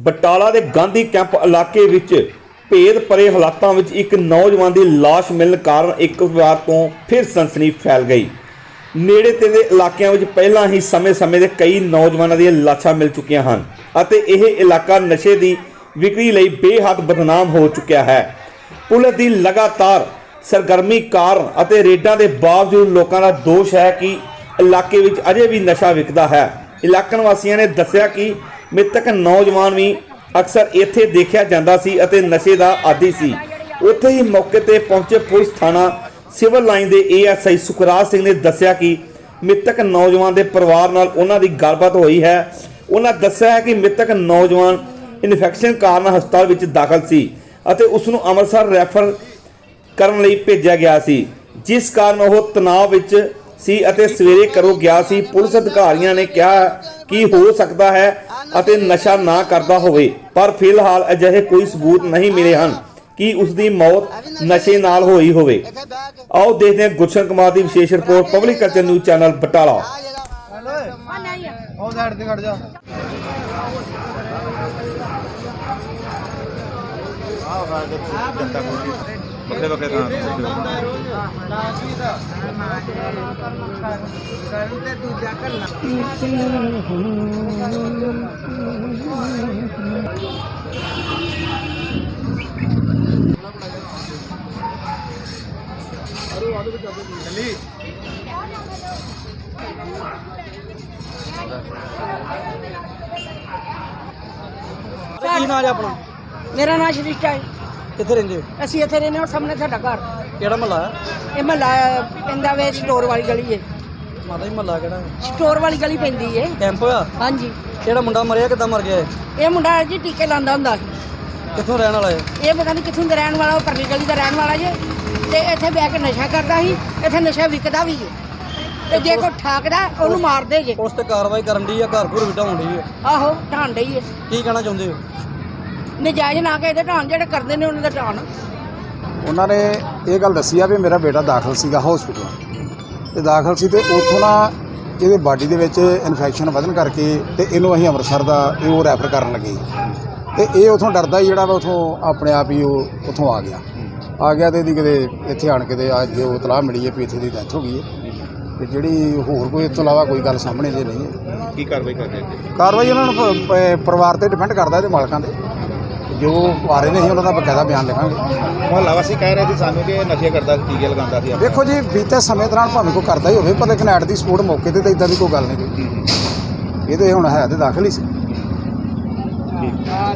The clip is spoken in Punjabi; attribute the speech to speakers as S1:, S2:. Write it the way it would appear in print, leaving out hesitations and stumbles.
S1: ਬਟਾਲਾ ਦੇ ਗਾਂਧੀ ਕੈਂਪ ਇਲਾਕੇ ਵਿੱਚ ਭੇਦ ਭਰੇ ਹਾਲਾਤਾਂ ਵਿੱਚ ਇੱਕ ਨੌਜਵਾਨ ਦੀ ਲਾਸ਼ ਮਿਲਣ ਕਾਰਨ ਇੱਕ ਵਾਰ ਤੋਂ ਫਿਰ ਸਨਸਨੀ ਫੈਲ ਗਈ। ਨੇੜੇ ਤੇੜੇ ਇਲਾਕਿਆਂ ਵਿੱਚ ਪਹਿਲਾਂ ਹੀ ਸਮੇਂ-ਸਮੇਂ ਦੇ ਕਈ ਨੌਜਵਾਨਾਂ ਦੀਆਂ ਲਾਸ਼ਾਂ ਮਿਲ ਚੁੱਕੀਆਂ ਹਨ ਅਤੇ ਇਹ ਇਲਾਕਾ ਨਸ਼ੇ ਦੀ ਵਿਕਰੀ ਲਈ ਬੇਹੱਦ ਬਦਨਾਮ ਹੋ ਚੁੱਕਿਆ ਹੈ। ਪੁਲਿਸ ਦੀ ਲਗਾਤਾਰ ਸਰਗਰਮੀ ਕਾਰਨ ਅਤੇ ਰੇਡਾਂ ਦੇ ਬਾਵਜੂਦ ਲੋਕਾਂ ਦਾ ਦੋਸ਼ ਹੈ ਕਿ ਇਲਾਕੇ ਵਿੱਚ ਅਜੇ ਵੀ ਨਸ਼ਾ ਵਿਕਦਾ ਹੈ। ਇਲਾਕਾ ਨਿਵਾਸੀਆਂ ਨੇ ਦੱਸਿਆ ਕਿ ਮ੍ਰਿਤਕ ਨੌਜਵਾਨ ਵੀ ਅਕਸਰ ਇੱਥੇ ਦੇਖਿਆ ਜਾਂਦਾ ਸੀ ਅਤੇ ਨਸ਼ੇ ਦਾ ਆਦੀ ਸੀ। ਉੱਥੇ ਹੀ ਮੌਕੇ ਤੇ ਪਹੁੰਚੇ ਪੁਲਿਸ ਥਾਣਾ ਸਿਵਲ ਲਾਈਨ ਦੇ ASI ਸੁਖਰਾਜ ਸਿੰਘ ਨੇ ਦੱਸਿਆ ਕਿ ਮ੍ਰਿਤਕ ਨੌਜਵਾਨ ਦੇ ਪਰਿਵਾਰ ਨਾਲ ਉਹਨਾਂ ਦੀ ਗੱਲਬਾਤ ਹੋਈ ਹੈ। ਉਹਨਾਂ ਦੱਸਿਆ ਹੈ ਕਿ ਮ੍ਰਿਤਕ ਨੌਜਵਾਨ ਇਨਫੈਕਸ਼ਨ ਕਾਰਨ ਹਸਪਤਾਲ ਵਿੱਚ ਦਾਖਲ ਸੀ ਅਤੇ ਉਸ ਨੂੰ ਅੰਮ੍ਰਿਤਸਰ ਰੈਫਰ ਕਰਨ ਲਈ ਭੇਜਿਆ ਗਿਆ ਸੀ, ਜਿਸ ਕਾਰਨ ਉਹ ਤਣਾਅ ਵਿੱਚ ਸੀ ਅਤੇ ਸਵੇਰੇ ਘਰੋਂ ਗਿਆ ਸੀ। ਪੁਲਿਸ ਅਧਿਕਾਰੀਆਂ ਨੇ ਕਿਹਾ ਕਿ ਹੋ ਸਕਦਾ ਹੈ ਅਤੇ ਨਸ਼ਾ ਨਾ ਕਰਦਾ ਹੋਵੇ, ਪਰ ਫਿਲਹਾਲ ਅਜਿਹੇ ਕੋਈ ਸਬੂਤ ਨਹੀਂ ਮਿਲੇ ਹਨ ਕਿ ਉਸ ਦੀ ਮੌਤ ਨਸ਼ੇ ਨਾਲ ਹੋਈ ਹੋਵੇ। ਆਓ ਦੇਖਦੇ ਹਾਂ ਗੁਲਸ਼ਨ ਕੁਮਾਰ ਦੀ ਵਿਸ਼ੇਸ਼ report, public culture news channel Batala.
S2: बकरे बकरे
S3: ਕੀ ਨਾਮ ਹੈ ਆਪਣਾ?
S4: ਮੇਰਾ ਨਾਮ ਸ਼੍ਰਿਸ਼ਟਾ ਹੈ।
S3: ਕਿੱਥੇ ਰਹਿੰਦੇ ਹੋ?
S4: ਅਸੀਂ ਇੱਥੇ ਰਹਿੰਦੇ ਹਾਂ, ਸਾਹਮਣੇ ਸਾਡਾ ਘਰ।
S3: ਕਿਹੜਾ ਮਹੱਲਾ ਹੈ?
S4: ਇਹ ਮਹੱਲਾ ਪੈਂਦਾ ਵੇ ਸਟੋਰ ਵਾਲੀ ਗਲੀ ਹੈ।
S3: ਮਾਤਾ ਜੀ ਮਹੱਲਾ ਕਿਹੜਾ ਹੈ?
S4: ਸਟੋਰ ਵਾਲੀ ਗਲੀ ਪੈਂਦੀ ਹੈ।
S3: ਕੈਂਪ ਹੋਇਆ?
S4: ਹਾਂਜੀ।
S3: ਕਿਹੜਾ ਮੁੰਡਾ ਮਰਿਆ, ਕਿੱਦਾਂ ਮਰ ਗਿਆ ਹੈ?
S4: ਇਹ ਮੁੰਡਾ ਜੀ ਟੀਕੇ ਲਾਉਂਦਾ ਹੁੰਦਾ ਸੀ।
S3: ਕਿੱਥੋਂ ਰਹਿਣ ਵਾਲਾ ਹੈ?
S4: ਇਹ ਪਤਾ ਨਹੀਂ ਕਿੱਥੋਂ ਦਾ ਰਹਿਣ ਵਾਲਾ, ਉਹ ਪਰਲੀ ਗਲੀ ਦਾ ਰਹਿਣ ਵਾਲਾ ਜੇ। ਤੇ ਇੱਥੇ ਬਹਿ ਕੇ ਨਸ਼ਾ ਕਰਦਾ ਸੀ, ਇੱਥੇ ਨਸ਼ਾ ਵਿਕਦਾ ਵੀ ਹੈ। ਤੇ ਜੇ ਕੋਈ ਠਾਕਦਾ ਉਹਨੂੰ ਮਾਰਦੇ ਜੇ।
S3: ਉਸ ਤੇ ਕਾਰਵਾਈ ਕਰਨ ਦੀ ਆ, ਘਰ ਘਰ ਵਿਟਾਉਣ ਦੀ ਹੈ।
S4: ਆਹੋ ਢਾਣ ਡਈ ਹੈ।
S3: ਕੀ ਕਹਿਣਾ ਚਾਹੁੰਦੇ ਹੋ?
S4: ਨਜਾਇਜ਼ ਨਾ ਕੇ ਇਹਦੇ ਢਾਣ, ਜਿਹੜੇ ਕਰਦੇ ਨੇ ਉਹਨਾਂ ਦਾ ਢਾਣ।
S5: ਉਹਨਾਂ ਨੇ ਇਹ ਗੱਲ ਦੱਸੀ ਆ ਵੀ ਮੇਰਾ ਬੇਟਾ ਦਾਖਲ ਸੀਗਾ ਹਸਪੀਟਲ ਤੇ ਦਾਖਲ ਸੀ ਤੇ ਉੱਥੋਂ ਨਾ ਇਹਦੇ ਬਾਡੀ ਦੇ ਵਿੱਚ ਇਨਫੈਕਸ਼ਨ ਵਧਣ ਕਰਕੇ ਤੇ ਇਹਨੂੰ ਅਸੀਂ ਅੰਮ੍ਰਿਤਸਰ ਦਾ ਉਹ ਰੈਫਰ ਕਰਨ ਲੱਗੇ ਤੇ ਇਹ ਉੱਥੋਂ ਡਰਦਾ ਹੀ ਜਿਹੜਾ ਵਾ ਉੱਥੋਂ ਆਪਣੇ ਆਪ ਹੀ ਉਹ ਉੱਥੋਂ ਆ ਗਿਆ ਤੇ ਇਹਦੀ ਕਿਤੇ ਇੱਥੇ ਆਣ ਕੇ ਤੇ ਅੱਜ ਉਹ ਇਤਲਾਹ ਮਿਲੀ ਹੈ ਵੀ ਇੱਥੇ ਦੀ ਡੈਥ ਹੋ ਗਈ ਹੈ ਤੇ ਜਿਹੜੀ ਹੋਰ ਕੋਈ ਇਸ ਤੋਂ ਇਲਾਵਾ ਕੋਈ ਗੱਲ ਸਾਹਮਣੇ ਜੇ ਨਹੀਂ ਹੈ।
S2: ਕੀ ਕਾਰਵਾਈ ਕਰਦੇ ਹੋ?
S5: ਕਾਰਵਾਈ ਉਹਨਾਂ ਨੂੰ ਪਰਿਵਾਰ ਤੇ ਡਿਪੈਂਡ ਕਰਦਾ, ਇਹਦੇ ਮਾਲਕਾਂ ਤੇ ਜੋ ਆ ਰਹੇ ਨੇ ਅਸੀਂ ਉਹਨਾਂ ਦਾ ਬਕਾਇਦਾ ਬਿਆਨ ਲਿਖਾਂਗੇ।
S2: ਮੁਹੱਲਾ ਵਾਸੀ ਕਹਿ ਰਹੇ ਸੀ ਸਾਨੂੰ ਕਿ ਇਹ ਨਸ਼ੇ ਕਰਦਾ ਸੀ, ਟੀਕੇ ਲਗਾਉਂਦਾ ਸੀ।
S5: ਦੇਖੋ ਜੀ, ਬੀਤੇ ਸਮੇਂ ਦੌਰਾਨ ਭਾਵੇਂ ਕੋਈ ਕਰਦਾ ਹੀ ਹੋਵੇ, ਪਰ ਲੇਕਿਨ ਐਟ ਦੀ ਸਪੋਰਟ ਮੌਕੇ ਤੇ ਤਾਂ ਇਦਾਂ ਦੀ ਕੋਈ ਗੱਲ ਨਹੀਂ ਕੋਈ। ਇਹ ਤੇ ਹੁਣ ਹੈ ਤੇ ਦਾਖਲ ਹੀ ਸੀ।